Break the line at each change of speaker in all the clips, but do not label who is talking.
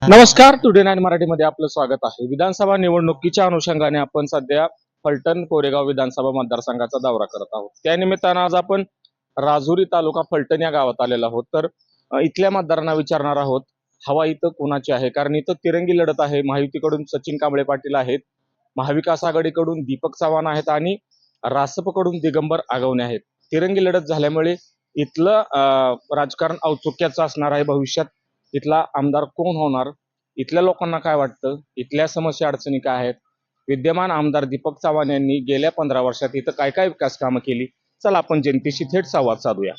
नमस्कार. Today nine मराठीमध्ये आपलं स्वागत आहे. विधानसभा निवडणुकीच्या अनुषंगाने आपण सध्या फलटण कोरेगाव विधानसभा मतदारसंघाचा दौरा करत आहोत. त्यानिमित्तानं आज आपण राजुरी तालुका फलटण या गावात आलेलो आहोत. तर इथल्या मतदारांना विचारणार आहोत हवा इथं कोणाची आहे, कारण इथं तिरंगी लढत आहे. महायुतीकडून सचिन कांबळे पाटील आहेत, महाविकास आघाडीकडून दीपक चव्हाण आहेत आणि रासपकडून दिगंबर आगवणे आहेत. तिरंगी लढत झाल्यामुळे इथलं राजकारण औत्सुक्याचं असणार आहे. भविष्यात इथला आमदार कोण होणार, इथल्या लोकांना काय वाटतं, इथल्या समस्या अडचणी काय आहेत, विद्यमान आमदार दीपक चव्हाण यांनी गेल्या 15 वर्षात इथं काय काय विकास कामं केली, चला आपण जनतेशी थेट संवाद साधूया.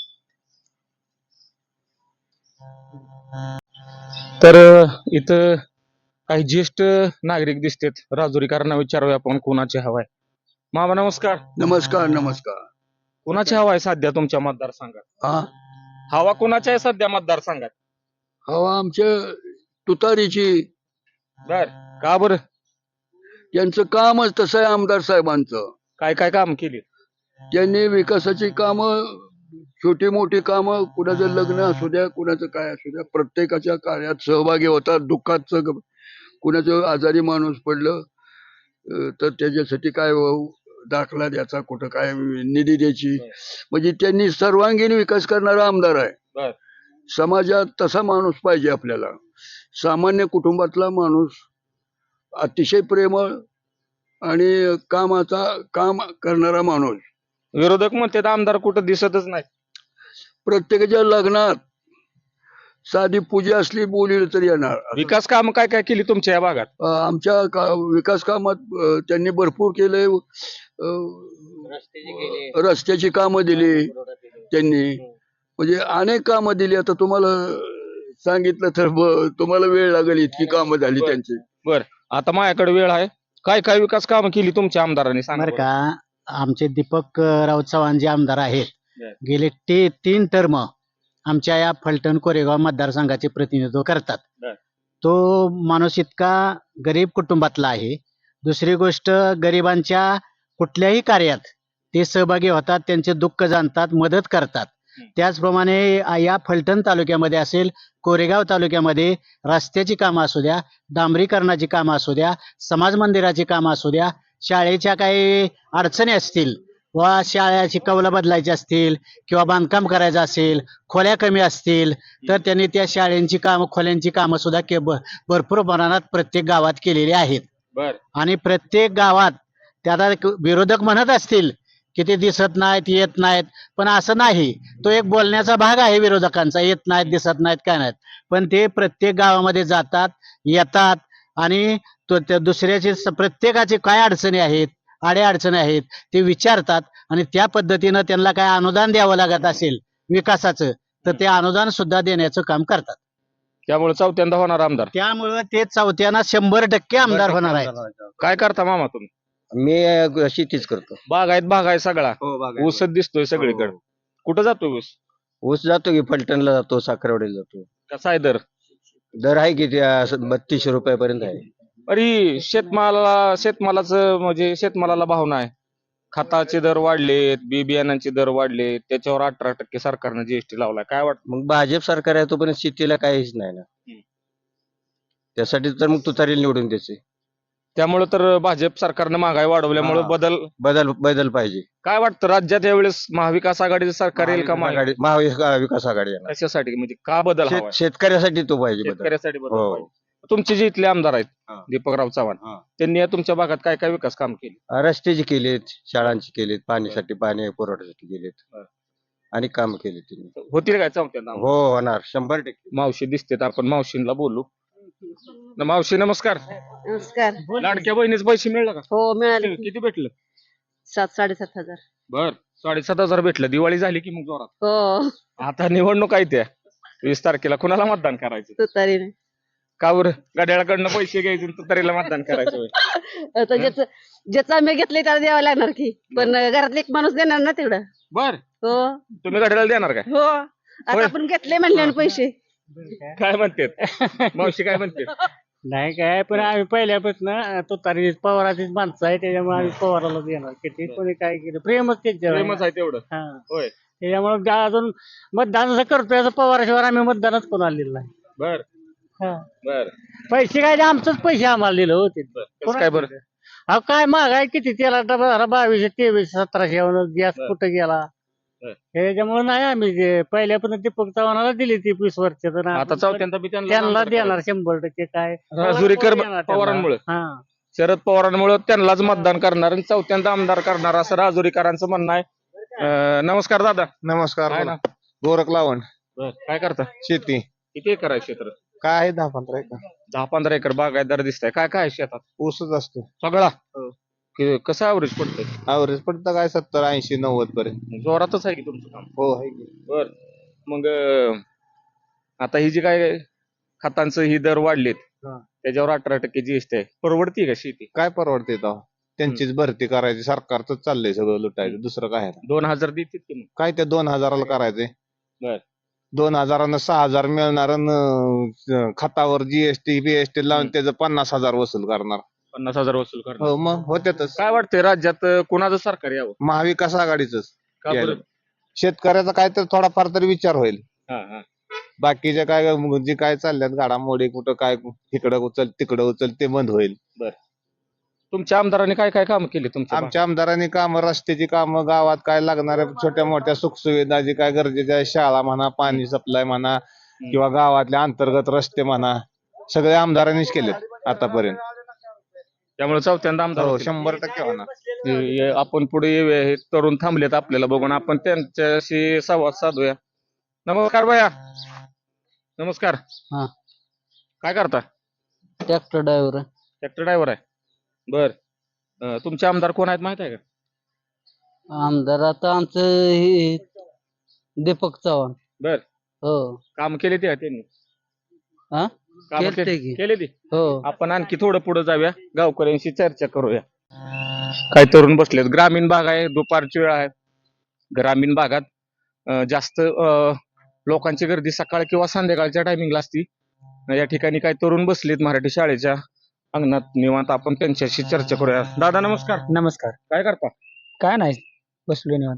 तर इथं काही ज्येष्ठ नागरिक दिसतात. राजुरीकरांना विचारूया आपण कोणाची हवा आहे. मामा नमस्कार.
नमस्कार नमस्कार.
कोणाची हवा आहे सध्या तुमच्या मतदारसंघात?
हा
हवा कोणाची आहे सध्या मतदारसंघात?
हवा आमच्या तुतारीची.
बर, का बरं?
त्यांचं कामच तसं आहे आमदार साहेबांचं.
काय काय काम केली?
त्यांनी विकासाची कामं, छोटी मोठी कामं, कुणाचं लग्न असू द्या, कुणाचं काय असू द्या, प्रत्येकाच्या कार्यात सहभागी होतात. दुःखात कुणाचं आजारी माणूस पडलं तर त्याच्यासाठी काय दाखला द्यायचा, कुठं काय निधी द्यायची, म्हणजे त्यांनी सर्वांगीण विकास करणारा आमदार आहे.
बर,
समाजात तसा माणूस पाहिजे आपल्याला. सामान्य कुटुंबातला माणूस, अतिशय प्रेमळ आणि काम करणारा माणूस.
विरोधक म्हणतात आमदार कुठं दिसतच नाही.
प्रत्येकाच्या लग्नात साधी पूजा असली बोलली तरी येणार.
विकास काम काय काय केली तुमच्या या भागात?
आमच्या विकास कामात त्यांनी भरपूर केले. रस्त्याची कामं दिली त्यांनी, म्हणजे अनेक कामं दिली. आता तुम्हाला सांगितलं तर तुम्हाला वेळ लागेल, इतकी कामं झाली त्यांची.
बर, आता माझ्याकडे वेळ आहे. काय काय विकास कामं केली तुमच्या आमदारांनी सांगा
बरं का. आमचे दीपक राव चव्हाण जे आमदार आहेत, गेले 3 टर्म आमच्या या फलटण कोरेगाव मतदारसंघाचे प्रतिनिधित्व करतात.
बर.
तो माणूस इतका गरीब कुटुंबातला आहे. दुसरी गोष्ट, गरिबांच्या कुठल्याही कार्यात ते सहभागी होतात, त्यांचे दुःख जाणतात, मदत करतात. त्याचप्रमाणे या फलटण तालुक्यामध्ये असेल, कोरेगाव तालुक्यामध्ये रस्त्याची कामं असू द्या, डांबरीकरणाची कामं असू द्या, समाज मंदिराची कामं असू द्या, शाळेच्या काही अडचणी असतील वा शाळेची कौलं बदलायची असतील किंवा बांधकाम करायचं असेल, खोल्या कमी असतील तर त्यांनी त्या शाळेंची कामं, खोल्यांची कामं सुद्धा भरपूर प्रमाणात प्रत्येक गावात केलेली आहेत.
बर,
आणि प्रत्येक गावात त्याला विरोधक म्हणत असतील की ते दिसत नाहीत, येत नाहीत, पण असं नाही. तो एक बोलण्याचा भाग आहे विरोधकांचा, येत नाहीत, दिसत नाहीत, काय नाहीत, पण ते प्रत्येक गावामध्ये जातात, येतात आणि दुसऱ्याचे प्रत्येकाचे काय अडचणी आहेत, अडचणी आहेत ते विचारतात आणि त्या पद्धतीनं त्यांना काय अनुदान द्यावं लागत असेल विकासाचं तर ते अनुदान सुद्धा देण्याचं काम करतात.
त्यामुळे चौथ्यांदा होणार आमदार.
त्यामुळे ते चौथ्यानं 100% आमदार होणार आहेत.
काय करता मामा तुम्ही?
मी शेतीच करतो.
बाग आहे सगळा.
हो,
ऊसच दिसतोय सगळीकडे. कुठं जातो ऊस?
ऊस जातो की फलटणला जातो, साखरवाडीला जातो.
कसा आहे दर?
दर आहे की 3200 रुपयापर्यंत आहे.
अरे, शेतमालाचं म्हणजे शेतमालाला भाव नाही. खताचे दर वाढलेत, बी बियाणांचे दर वाढले, त्याच्यावर 18% सरकारनं जीएसटी लावलाय. काय वाटतं?
मग भाजप सरकार आहे तोपर्यंत शेतीला काहीच नाही ना. त्यासाठी तर मग तुतारीला निवडून द्यायचे.
त्यामुळे तर भाजप सरकारनं महागाई वाढवल्यामुळे
बदल पाहिजे.
काय वाटतं राज्यात यावेळेस महाविकास आघाडीचं सरकार येईल का?
महाविकास आघाडी येणार.
कशासाठी, म्हणजे का बदल हवा आहे?
शेतकऱ्यासाठी तो पाहिजे बदल.
शेतकऱ्यासाठी बदल
हो.
पाहिजे. तुमचे जे इथले आमदार आहेत
हा.
दीपकराव चव्हाण,
हा.
त्यांनी या तुमच्या भागात काय काय विकास काम केले?
रस्त्याची केलेत, शाळांची केलेत, पाणी पुरवठ्यासाठी केलेत आणि काम केले त्यांनी.
होतील काय चौथ्यांदा?
हो, होणार 100%.
मावशी दिसतेत, आपण मावशींना बोलू. मावशी नमस्कार.
नमस्कार.
लाडक्या बहिणीचे पैसे मिळलं का?
हो मिळाले.
किती भेटलं?
7,000-7,500.
बर, 7,500 भेटलं. दिवाळी झाली की मग जोरात.
हो
आता निवडणूक आहे त्या 20 तारखेला. कुणाला मतदान करायचं?
तुतारीने.
का बरं? घड्याळाकडनं पैसे घ्यायचे तुतारीला मतदान करायचं होय?
आता ज्याचं आम्ही घेतले त्याला द्यावं लागणार की, पण घरातले एक माणूस देणार ना तेवढं.
बर,
हो
तुम्ही घड्याळाला देणार काय?
हो आता आपण घेतले म्हणले ना पैसे.
काय म्हणतात मावशी, काय म्हणते?
नाही काय, पण आम्ही पहिल्यापासून तुतारी पवाराचीच माणसं आहे, त्याच्यामुळे आम्ही पवाराला देणार. किती कोणी काय केलं प्रेमच त्याच्यावर.
प्रेमच आहे तेवढं.
हा.
होय.
त्याच्यामुळे अजून मतदान जर करतोय पवाराशिवाय आम्ही मतदानच कोण आलेलं नाही.
बर, बर
पैसे काय ते आमचंच पैसे आम्हाला दिलं होते
कसं काय बरं
अहो काय महागाई किती त्याला डबा 2200 2300 1700 गॅस
बर.
कुठं गेला
बर.
त्याच्यामुळे नाही आम्ही पहिल्यापासून दीपक चव्हाणाला दिली ती 20 वर्ष तर
आता
आपण
चौथ्यांदा बी त्यांना
त्यांना
आमदार
देणार 100% काय
राजुरीकर
देणार त्यांना.
पवारांमुळे
हा
शरद पवारांमुळे त्यांनाच मतदान करणार आणि चौथ्यांदा आमदार करणार असं राजुरीकरांचं म्हणणं आहे. नमस्कार दादा.
नमस्कार
काय
बोला.
ना
गोरख लावण
काय करता
शेती
किती एकर आहे क्षेत्र?
काय आहे 10-15 एकर
10-15 एकर बागायतदार दिसतंय. काय काय आहे शेतात
ऊसच असतो.
सगळा कसं ॲव्हरेज पडतंय?
ॲव्हरेज पडतं काय 70-80-90 पर्यंत.
जोरातच आहे की तुमचं काम.
हो आहे की.
बर मग आता ही जी काय खतांचं ही दर वाढलेत
हा.
त्याच्यावर 18% जीएसटी आहे. परवडती का शेती?
काय परवडते तेव्हा त्यांचीच भरती करायची सरकारच चाललंय सगळं लुटायचं दुसरं काय आहे?
2000 देतील की मग?
काय ते 2000ला करायचंय
बर.
2000 6000 मिळणार आणि खतावर जीएसटी बीएसटी लावून त्याचं 50,000 वसूल करणार.
50,000 वसूल करणार.
हो मग होत्यातच.
काय वाटतंय राज्यात कुणाचं सरकार यावं?
महाविकास आघाडीच
का बरं?
शेतकऱ्याचा काय तर थोडाफार तरी विचार होईल.
हा.
बाकीच्या काय जे काय चालल्यात घडामोडी कुठं काय इकडं उचल तिकडं उचल ते बंद होईल.
तुमच्या आमदारांनी काय काय काम केले तुमच्या
आमच्या आमदारांनी कामं रस्त्याची कामं गावात काय लागणाऱ्या छोट्या मोठ्या सुखसुविधा जे काय गरजेच्या आहे शाळा म्हणा पाणी सप्लाय म्हणा किंवा गावातले अंतर्गत रस्ते म्हणा सगळे आमदारांनीच केलेत आतापर्यंत.
त्यामुळे चौथ्यांदा आमदार
हो
होतील.
100% होणार.
आपण पुढे येऊया. हे तरुण थांबलेत आपल्याला बघून आपण त्यांच्याशी संवाद साधूया. नमस्कार भैया. नमस्कार.
हा.
काय करता?
ट्रॅक्टर ड्रायव्हर
ट्रॅक्टर ड्रायव्हर आहे. बर तुमचे आमदार कोण आहेत माहित आहे का?
आमदार आता आमचं दीपक चव्हाण.
बर
हो
काम केले ते त्यांनी?
हा?
कामं
केलते की.
केले ते.
हो
आपण आणखी थोडं पुढे जाऊया गावकऱ्यांशी चर्चा करूया. काय तरुण बसलेत. ग्रामीण भाग आहे दुपारची वेळ आहे. ग्रामीण भागात जास्त लोकांची गर्दी सकाळ किंवा संध्याकाळच्या टायमिंगला असती. या ठिकाणी काय तरुण बसलेत मराठी शाळेच्या अंगणात निवांत आपण त्यांच्याशी चर्चा करूया. दादा नमस्कार.
नमस्कार.
काय करता?
काय नाही बसलो निवांत.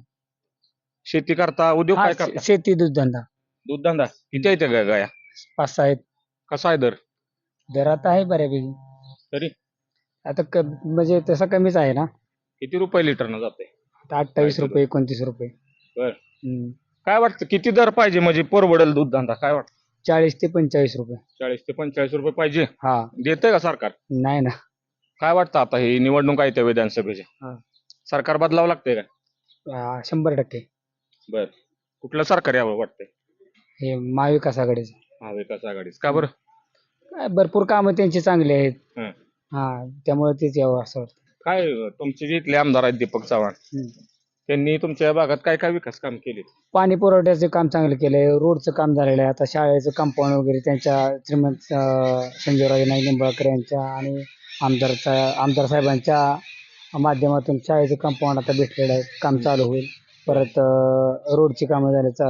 शेती करता उद्योग काय करता?
शेती दूध धंदा
दूध धंदा किती आहे त्या गाया?
5-6 आहेत.
कसा आहे दर?
दर आता आहे बऱ्यापैकी.
तरी
आता म्हणजे तसा कमीच आहे ना.
किती रुपये लिटरनं जाते?
आता 28 रुपये 29 रुपये.
बर.
हम्म.
काय वाटतं किती दर पाहिजे म्हणजे परवडेल दूध धंदा? काय वाटतं?
40 ते 45 रुपये.
40 ते 45 रुपये पाहिजे.
हा
देतंय का सरकार?
नाही ना.
काय वाटतं आता ही निवडणूक आहे त्या विधानसभेच्या
हा.
सरकार बदलावं लागतंय का?
100%.
बर कुठलं सरकार यावं वाटतंय?
हे महाविकास आघाडीचं.
महाविकास आघाडीच का बरं?
काय भरपूर कामं त्यांची चांगली आहेत.
हं.
हा त्यामुळे तेच यावं असं वाटतं.
काय तुमचे जे इथले आमदार आहेत दीपक चव्हाण
हम्म.
त्यांनी तुमच्या भागात काय काय विकास काम केले?
पाणी पुरवठ्याचं काम चांगलं केलंय. रोडचं काम झालेलं आहे. आता शाळेचं कंपाऊंड वगैरे त्यांच्या श्रीमंत संजयराजे नाईक निंबाळकर यांच्या आणि आमदार साहेबांच्या माध्यमातून शाळेचं कंपाऊंड आता भेटलेलं आहे. काम चालू होईल. परत रोडची कामं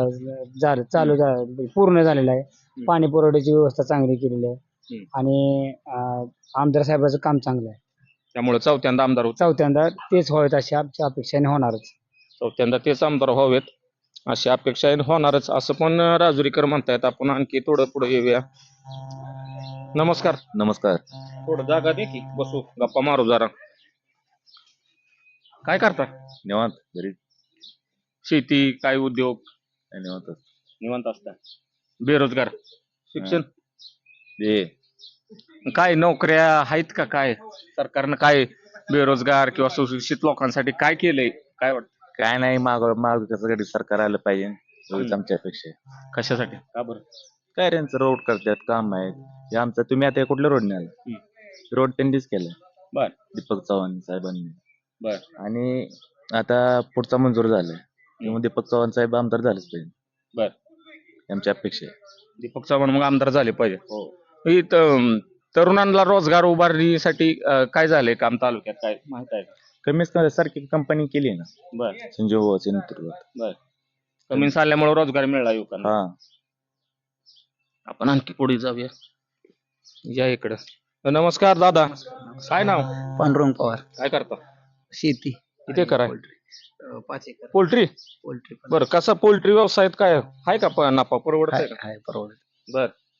पूर्ण झालेलं आहे. पाणी पुरवठ्याची व्यवस्था चांगली केलेली आहे आणि आमदार साहेबांचं काम चांगलं आहे.
त्यामुळे चौथ्यांदा आमदार होत
चौथ्यांदा तेच व्हावेत अशी आमच्या अपेक्षाने होणारच.
चौथ्यांदा तेच आमदार व्हावेत अशी अपेक्षा होणारच असं पण राजुरीकर म्हणतायत. आपण आणखी थोडं पुढे येऊया. नमस्कार.
नमस्कार.
थोडं जागा दे की बसू गप्पा मारू जरा. काय करता?
निवांत घरी
शेती काय उद्योग?
निवांत
निवांत असता. बेरोजगार शिक्षण काय नोकऱ्या आहेत का? काय सरकारनं काय बेरोजगार किंवा सुशिक्षित लोकांसाठी काय केलंय? काय वाटतं?
काय नाही महाविकासासाठी सरकार आलं पाहिजे एवढीच आमची अपेक्षा आहे.
कशासाठी? का बरं?
काय त्यांचं रोड करतात काम आहेत हे आमचं. तुम्ही आता कुठल्या रोडने आला? रोड त्यांनीच केलाय.
बर.
दीपक चव्हाण साहेबांनी.
बर.
आणि आता पुढचा मंजूर झालाय त्यामुळे दीपक चव्हाण साहेब आमदार झालेच पाहिजे.
बर.
आमची अपेक्षा आहे.
दीपक चव्हाण मग आमदार झाले पाहिजे. ही तरुणांना रोजगार उभारणीसाठी काय झालंय काम तालुक्यात काय माहित आहे का?
कमीच सारखी कंपनी केली ना
बर.
संजीव भाऊच्या नेतृत्वात.
बर. कमी आल्यामुळे रोजगार मिळाला युवकांना.
हा
आपण आणखी पुढे जाऊया. या इकडं. नमस्कार दादा. काय नाव?
पांडुरंग पवार.
काय करता?
शेती
किती करा?
5 एकर
पोल्ट्री.
पोल्ट्री
बरं कसा पोल्ट्री व्यवसायात काय आहे का नफा परवडत का?
आहे परवडत.
बर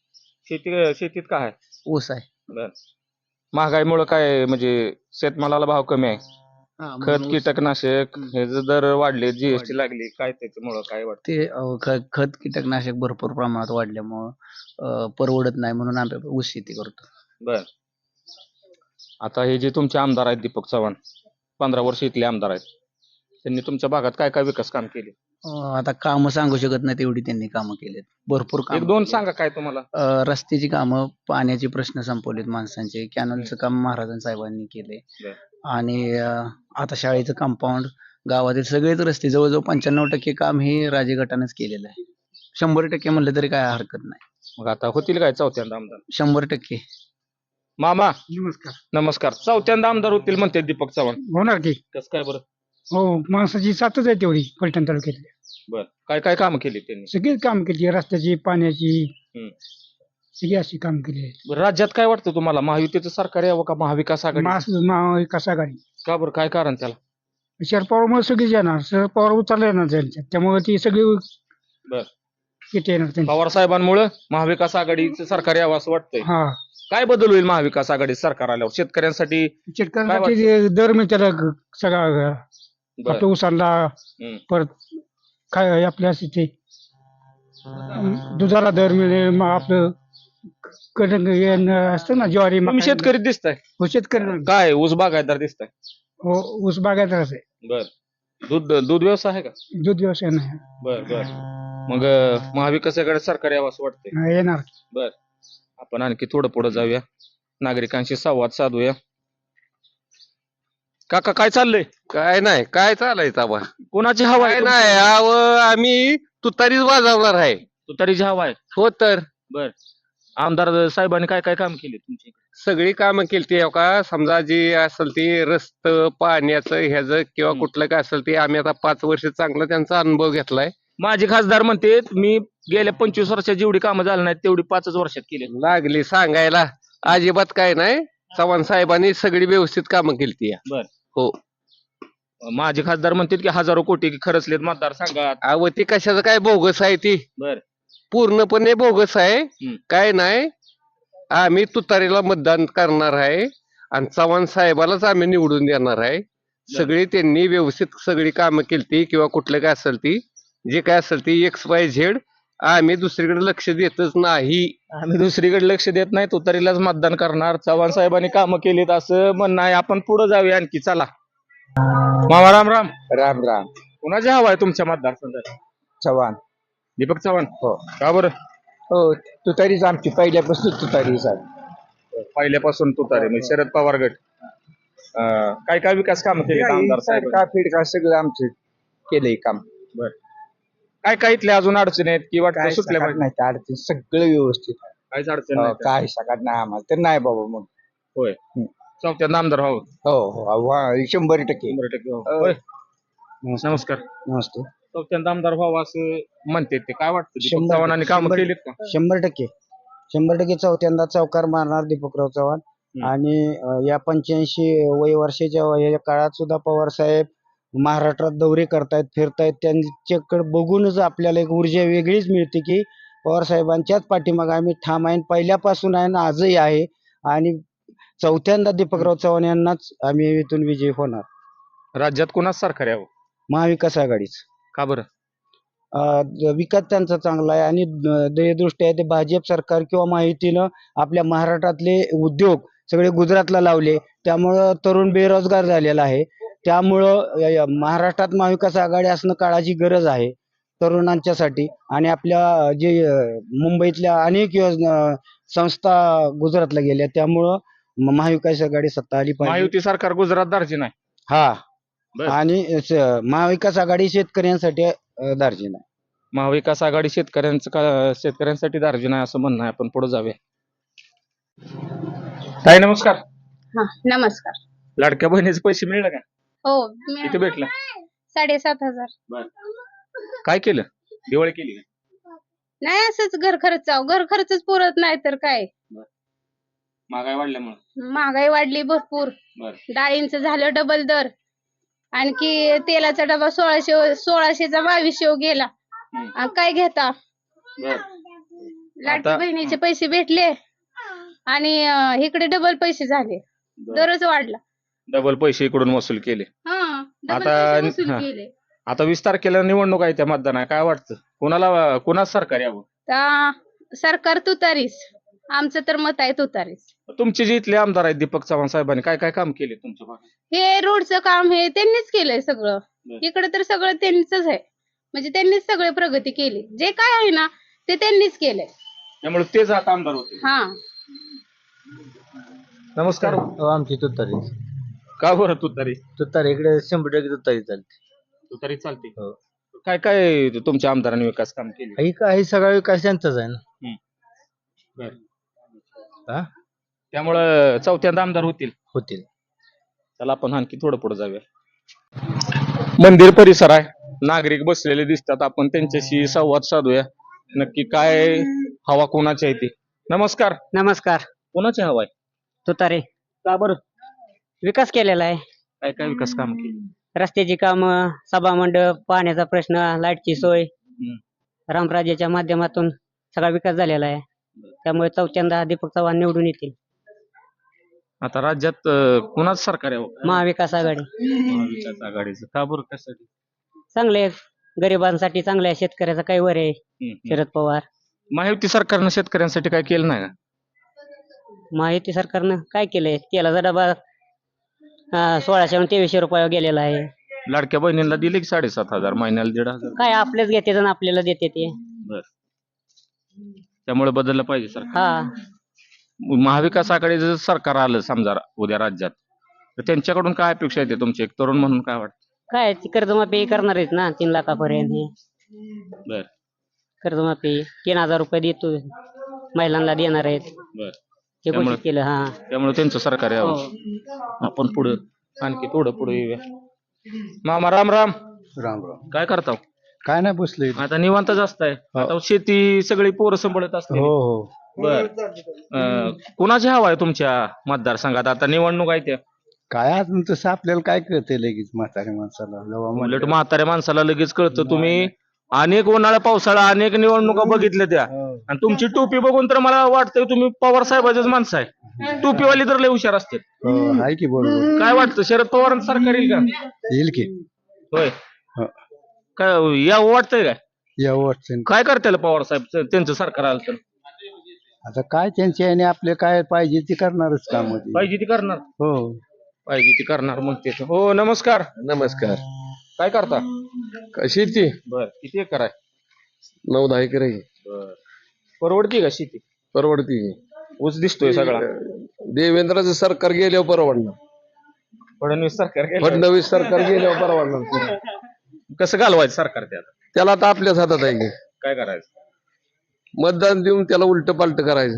शेतीत काय आहे?
ऊस आहे.
बर. महागाईमुळे काय म्हणजे शेतमालाला भाव कमी आहे. खत कीटकनाशक हे जे दर वाढले, जीएसटी लागली, काय त्याच्यामुळं काय वाटतं?
ते खत कीटकनाशक भरपूर प्रमाणात वाढल्यामुळं परवडत नाही म्हणून आम्ही ऊस शेती करतो.
बर. आता हे जे तुमचे आमदार आहेत दीपक चव्हाण, 15 वर्ष इथले आमदार आहेत, त्यांनी तुमच्या भागात काय काय विकास काम केले?
आता कामं सांगू शकत नाही तेवढी त्यांनी कामं केलेत. भरपूर
एक
काम
दोन सांगा काय तुम्हाला.
रस्त्याची कामं, पाण्याचे प्रश्न संपवलेत माणसांचे, कॅनलचं काम महाराजां साहेबांनी केले.
बर.
आणि आता शाळेचं कंपाऊंड, गावातील सगळेच रस्ते जवळजवळ 95% काम हे राजे गटानेच केलेलं आहे. 100% म्हणलं तरी काय हरकत नाही.
मग आता होतील काय चौथ्यांदा आमदार?
100%.
मामा
नमस्कार.
नमस्कार. चौथ्यांदा आमदार होतील म्हणते दीपक चव्हाण,
होणार की.
कसं काय बरं?
हो, माणसाची साथच आहे तेवढी फलटण तालुक्यातली.
बर. काय काय कामं केली त्यांनी?
सगळीच काम केली, रस्त्याची, पाण्याची,
हम्म.
सगळी अशी काम केली आहेत.
बरं, राज्यात काय वाटतं तुम्हाला, महायुतीचं सरकार यावं का महाविकास आघाडी?
महाविकास आघाडी.
का बरं, काय कारण त्याला?
शरद पवारमुळे सगळीच येणार, शरद पवार उचलले येणार त्यांच्यात, त्यामुळे ती सगळी
बर.
किती येणार त्यांची.
पवार साहेबांमुळे महाविकास आघाडीचं सरकार यावं असं वाटतंय.
हा,
काय बदल होईल महाविकास आघाडी सरकार आल्यावर शेतकऱ्यांसाठी?
शेतकऱ्यांसाठी ते दर मिळाला सगळा
बर.
आपल्या उसाला,
हम्म.
परत काय आपल्या ते दुधाला दर मिळेल, मग आपलं कणक असतं ना, ज्वारी,
तुम्ही
मका.
शेतकरी दिसताय
हो, शेतकरी.
काय, ऊस बागायतदार दिसताय?
हो, ऊस बागायतदारच आहे.
बर. दूध व्यवसाय आहे का?
दूध व्यवसाय नाही.
बर बर. मग महाविकास आघाडी सरकार यावं असं वाटतंय.
हा, येणार.
बर. आपण आणखी थोडं पुढे जाऊया, नागरिकांशी संवाद साधूया. काका काय चाललंय?
काय नाही, काय चालायचं आबा?
कोणाची हवा
काय
आहे?
नाही, आम्ही तुतारीच वाजवणार आहे.
तुतारीची हवा आहे.
हो तर
बर. आमदार साहेबांनी काय काय काम केले तुमच्या इकडे?
सगळी कामं केली का, समजा जी असेल ती रस्त, पाण्याचं, ह्याचं किंवा कुठलं काय असेल ते आम्ही आता 5 वर्ष चांगला त्यांचा अनुभव घेतलाय.
माझे खासदार म्हणते मी गेल्या 25 वर्षात जेवढी कामं झाली नाहीत तेवढी 5च वर्षात केली.
लागली सांगायला, अजिबात काय नाही. चव्हाण साहेबांनी सगळी व्यवस्थित कामं केली.
बर.
हो.
माझे खासदार म्हणतात की हजारो कोटी खरचलेत मतदारसंघात.
अहो ती कशाचं काय बोगस आहे ती,
बर.
पूर्णपणे बोगस आहे.
हम्म.
काय नाही, आम्ही तुतारीला मतदान करणार आहे आणि चव्हाण साहेबालाच आम्ही निवडून देणार आहे. सगळी त्यांनी व्यवस्थित सगळी कामं केली किंवा कुठलं काय असेल ती, जे काय असेल ती XYZ, आम्ही दुसरीकडे लक्ष देतच नाही.
आम्ही दुसरीकडे लक्ष देत नाही, तुतारीलाच मतदान करणार. चव्हाण साहेबांनी कामं केलीत असं म्हणणं आहे. आपण पुढे जाऊया आणखी, चला. मामा राम राम.
राम राम.
कुणाची हवा आहे तुमच्या मतदारसंघात?
चव्हाण.
दीपक चव्हाण.
हो.
का बरं?
हो, तुतारीच आमची पहिल्यापासून तुतारीच आहे.
पहिल्यापासून तुतारी म्हणजे शरद पवार गट. काय काय विकास कामं केली आमदार साहेब?
का फिडका सगळं आमचं केलंय काम.
बर. काय काय इथल्या अजून अडचणी आहेत की वाटतं
काय
सुटल्या
सकाळ
पाहिजे?
नाही तर अडचण सगळं व्यवस्थित आहे.
काहीच अडचण
हो,
नाही.
काय सकाळ नाही आम्हाला तर नाही बाबा मग.
होय. चौथ्यांदा आमदार व्हावं.
हो हो, 100%.
100% व्हावं. होय. नमस्कार.
नमस्ते.
चौथ्यांदा आमदार व्हावं असं म्हणते ते, काय वाटतं? दीपक
100%
चव्हाणांनी कामं केलीत का?
100% चौथ्यांदा चौकार मारणार दीपकराव चव्हाण. आणि या 85 वर्षाच्या या काळात सुद्धा पवार साहेब महाराष्ट्रात दौरे करतायत, फिरतायत. त्यांच्याकडे बघूनच आपल्याला एक ऊर्जा वेगळीच मिळते की पवार साहेबांच्याच पाठीमागे आम्ही ठाम आहे, पहिल्यापासून आहे आणि आजही आहे. आणि चौथ्यांदा दीपकराव चव्हाण यांनाच आम्ही इथून विजयी होणार.
राज्यात कोणाच सरकार यावं?
महाविकास आघाडीच.
का बरं?
विकास त्यांचा चांगला आहे आणि ध्येयदृष्टी आहे ते भाजप सरकार किंवा महायुतीनं आपल्या महाराष्ट्रातले उद्योग सगळे गुजरातला लावले, त्यामुळं तरुण बेरोजगार झालेला आहे. त्यामुळं महाराष्ट्रात महाविकास आघाडी असणं काळाची गरज आहे तरुणांच्यासाठी. आणि आपल्या जे मुंबईतल्या अनेक योजना संस्था गुजरातला गेल्या, त्यामुळं महाविकास आघाडी सत्ता आली पाहिजे.
महायुती सरकार गुजरात दार्जिन आहे.
हा.
बर.
आणि महाविकास आघाडी शेतकऱ्यांसाठी दार्जिन आहे.
महाविकास आघाडी शेतकऱ्यांसाठी दार्जिन आहे असं म्हणणं आहे. आपण पुढे जाऊया. ताई नमस्कार.
हा, नमस्कार.
लाडक्या बहिणीचे पैसे मिळले का?
हो,
किती भेटलं?
7,500.
काय केलं? दिवाळी केली का?
नाही, असंच घर खर्चच पुरत नाही तर काय.
महागाई वाढल्यामुळे.
महागाई वाढली भरपूर. डाळींचं झालं डबल दर. आणखी तेलाचा डबा 1600चा 2200 गेला. आणि काय घेता? लाडकी
आता-
बहिणीचे पैसे भेटले आणि इकडे डबल पैसे झाले. दरच वाढला.
डबल पैसे इकडून वसूल केले.
हा डबल
आता-
पैसे वसूल
हा.
केले.
आता 20 तारखेला निवडणूक आहे त्या मतदान आहे, काय वाटतं कुणाच सरकार यावं?
सरकार तुतारीस. आमचं तर मत आहे तुतारीस.
तुमचे जे इथले आमदार आहेत दीपक चव्हाण साहेबांनी काय काय काम केले तुमच्या भागात?
हे रोडचं काम हे त्यांनीच केलंय सगळं.
बर.
इकडे तर सगळं त्यांनीच आहे. म्हणजे त्यांनीच सगळे प्रगती केली. जे काय आहे ना ते त्यांनीच केलंय.
त्यामुळे तेच आता आमदार होते.
हा
नमस्कार.
आमची तुतारी
का बरं तुतारी?
तुतारी इकडे 100% तुतारी चालते.
तुतारी चालते.
हो.
काय काय तुमच्या आमदारांनी विकास काम केले?
ही काही सगळा विकास त्यांचाच आहे ना. हा?
त्यामुळं चौथ्यांदा आमदार होतील.
होतील.
चला आपण आणखी थोडं पुढे जाऊया. मंदिर परिसर आहे, नागरिक बसलेले दिसतात, आपण त्यांच्याशी संवाद साधूया. नक्की काय हवा कोणाची आहे ती. नमस्कार.
नमस्कार.
कोणाची हवा आहे?
तुतारे. का बरं? विकास केलेला आहे.
काय काय विकास काम केले?
रस्त्याची कामं, सभामंडप, पाण्याचा प्रश्न, लाईटची सोय, रामराज्याच्या माध्यमातून सगळा विकास झालेला आहे. त्यामुळे चौथ्यांदा दीपक चव्हाण निवडून येतील.
आता राज्यात कुणाच सरकार यावं?
महाविकास आघाडी
महाविकास आघाडीचं. का बरं कशासाठी?
चांगले आहे. गरिबांसाठी चांगले आहे. शेतकऱ्याचा काही वर आहे. शरद पवार.
महायुती सरकारनं शेतकऱ्यांसाठी काय केलं नाही का?
महायुती सरकारनं काय केलंय? तेलाचा डबा 1600 आणि 2300 रुपयावर गेलेला आहे.
लाडक्या बहिणींना दिले की 7,500 महिन्याला 1,500.
काय आपलेच घेते आणि आपल्याला देते ते.
त्यामुळे बदललं पाहिजे सरकार.
हा
महाविकास आघाडीचं जर सरकार आलं समजा उद्या राज्यात, तर त्यांच्याकडून काय अपेक्षा येते तुमची एक तरुण म्हणून काय वाटतं?
काय ती कर्जमाफी करणार आहेत ना 3 लाखापर्यंत.
बर
कर्जमाफी 3000 रुपये देतो महिलांना देणार आहेत.
बर
हे घोषित केलं. हा
त्यामुळे त्यांचं सरकार यावं. आपण पुढे आणखी थोडं पुढे येऊया. मामा राम राम.
राम राम.
काय करता?
काय नाही बसले.
आता निवांत जास्त आहे. आता शेती सगळी पोरं सांभाळत असते.
हो.
बर कुणाची हवा आहे तुमच्या मतदारसंघात? आता निवडणूक आहे त्या.
काय अजून तसं आपल्याला काय कळते लगेच म्हाताऱ्या माणसाला जेव्हा
उलट म्हाताऱ्या माणसाला लगेच कळतं. तुम्ही अनेक उन्हाळा पावसाळा अनेक निवडणुका बघितल्या त्या, आणि तुमची टोपी बघून तर मला वाटतंय तुम्ही पवार साहेबाचेच माणसं आहे. टोपीवाली तर लय हुशार असते.
आहे की बरोबर.
काय वाटतं शरद पवारांचं सरकार येईल का?
येईल की.
होय.
हो.
काय या वाटतंय काय?
या अडचण
काय करताल पवार साहेब त्यांचं सरकार आलं तर?
आता काय त्यांच्या याने आपले काय पाहिजे ते करणारच काम.
पाहिजे ती करणार.
हो.
पाहिजे ती करणार म्हणते. हो नमस्कार.
नमस्कार.
काय करता?
शेती
बर किती एकर आहे?
9-10 एकर आहे.
परवडती का शेती?
परवडती.
ऊस दिसतोय सगळा.
देवेंद्रचं सरकार गेल्यावर परवडणार.
फडणवीस सरकार गेलं.
फडणवीस सरकार गेल्यावर परवडणार.
कसं घालवायचं सरकार त्याला?
त्याला आता आपल्याच हातात आहे की.
काय करायचं?
मतदान देऊन त्याला उलट पालट करायचं.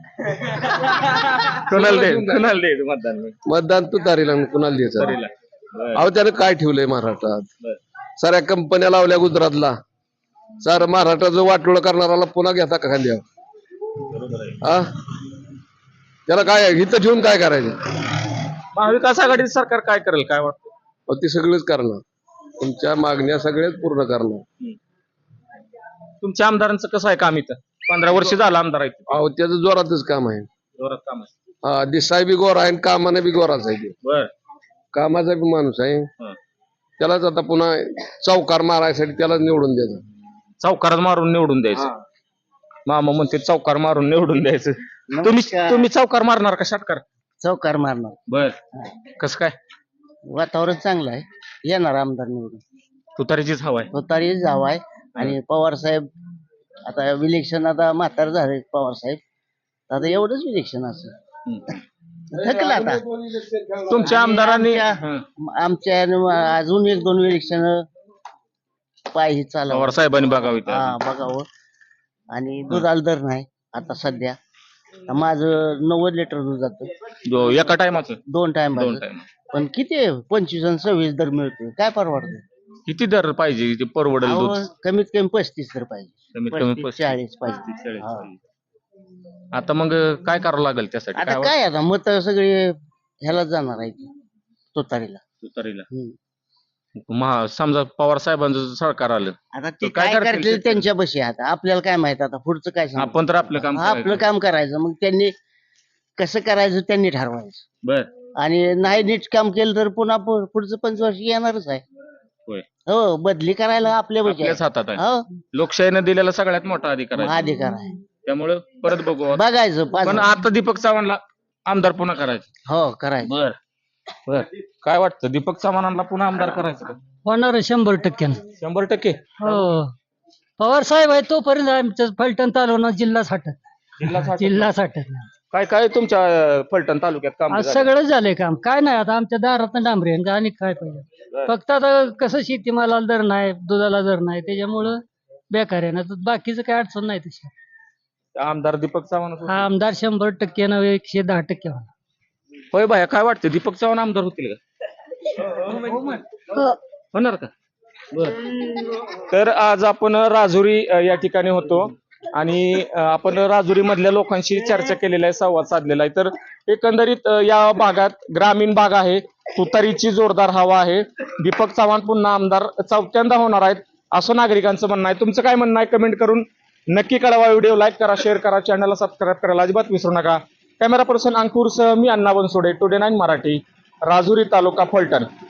कोणाला द्यायचं मतदान?
मतदान तू तारीला कुणाला द्यायचं?
तरीला. बर.
अहो त्यानं काय ठेवलंय महाराष्ट्रात?
बर.
साऱ्या कंपन्या लावल्या गुजरातला. सारं महाराष्ट्राचं वाटोळं करणाराला पुन्हा घेता का खांद्यावर?
बरोबर आहे.
हा त्याला काय इथं ठेवून काय करायचं?
महाविकास आघाडीचं सरकार काय करेल काय वाटतं?
अहो, ते सगळंच करणार. तुमच्या मागण्या सगळ्याच पूर्ण करणार.
तुमच्या आमदारांचं कसं आहे काम इथं? 15 वर्ष झालं आमदार आहे.
अहो त्याचं जोरातच काम आहे.
जोरात काम आहे.
हा दिसाय बी गोरा आहे आणि कामाने बी गोराच आहे. ते
बर.
कामाचा बी माणूस आहे.
हं.
त्यालाच आता पुन्हा चौकार मारायसाठी त्यालाच निवडून द्यायचं.
चौकारात मारून निवडून द्यायचं. मामा म्हणते चौकार मारून निवडून द्यायचं. तुम्ही चौकार मारणार का षटकार?
चौकार मारणार.
बर. कसं काय?
वातावरण चांगलं आहे. येणार आमदार निवडून.
तुतारीचीच हवा आहे.
तुतारी जाव आहे. आणि पवार साहेब आता इलेक्शन आता म्हातार झाले पवार साहेब. आता एवढंच इलेक्शन असं थकलं आता.
तुमच्या आमदारांनी
आमच्या अजून 1-2 इलेक्शन पायी चालव
पवार साहेबांनी बघावी.
बघावं. आणि दुधाला दर नाही आता सध्या. माझं 90 लिटर दूध जातं
एका टायमाचं
2 टाइम.
टाइम.
पण किती 25 आणि 26 दर मिळतोय. काय परवडतं?
किती दर पाहिजे ते परवडेल दूध?
कमीत कमी 35 दर पाहिजे.
कमीत कमी
35-40 पाहिजे.
35-40
हा.
पाहिजे. आता मग काय करावं लागेल त्यासाठी?
आता काय आता मत सगळे ह्याला जाणार आहे तुतारीला.
तुतारीला. समजा पवार साहेबांचं जर सरकार आलं
आता
तर
ते
काय
काय
करतील
करतील
शेतकरी?
त्यांच्या बशी आता आपल्याला काय माहित आता पुढचं काय सांगू?
आपण तर आपलं काम
हा, आपलं
करायचं.
काम करायचं मग त्यांनी कसं करायचं त्यांनी ठरवायचं
बर
आणि नाही नीट काम केलं तर पुन्हा पुढचं 5 वर्ष येणारच आहे.
होय.
हो बदली करायला आपल्या बशी
आपल्याच
आहे.
हातात आहे
हो
लोकशाहीने दिलेला सगळ्यात मोठा अधिकार आहे
अधिकार आहे
त्यामुळे परत बघू
बघायचं
पण आता दीपक चव्हाणला आमदार पुन्हा करायचं.
हो करायचं.
बर बर काय वाटतं दीपक चव्हाणांना पुन्हा आमदार करायचं का?
होणार 100%.
100%.
हो पवार साहेब आहे तोपर्यंत आमचं फलटण तालुका जिल्हा साठत जिल्हा साठत
काय काय तुमच्या फलटण तालुक्यात काम
आज सगळं झालंय काम काय नाही आता आमच्या दारात डांबरे आहे, आणि काय पाहिजे फक्त आता कसं शेतीमालाला दर नाही दुधाला दर नाही त्याच्यामुळं बेकार आहे ना तर बाकीचं काय अडचण नाही तशी.
आमदार दीपक चव्हाण
हा आमदार 100% न 110% होणार.
होय बाया काय वाटतं दीपक चव्हाण आमदार होतील का? होणार का? बर तर आज आपण राजुरी या ठिकाणी होतो आणि आपण राजुरी मधल्या लोकांशी चर्चा केलेला आहे संवाद साधलेला आहे. तर एकंदरीत या भागात ग्रामीण भाग आहे तुतारीची जोरदार हवा आहे दीपक चव्हाण पुन्हा आमदार चौथ्यांदा होणार आहेत असं नागरिकांचं म्हणणं आहे. तुमचं काय म्हणणं आहे कमेंट करून नक्की कळवा. व्हिडिओ लाईक करा शेअर करा चॅनलला सबस्क्राईब करायला अजिबात विसरू नका. कॅमेरा पर्सन अंकुरसह मी अण्णा बनसोडे टुडे 9 मराठी राजुरी तालुका फलटण.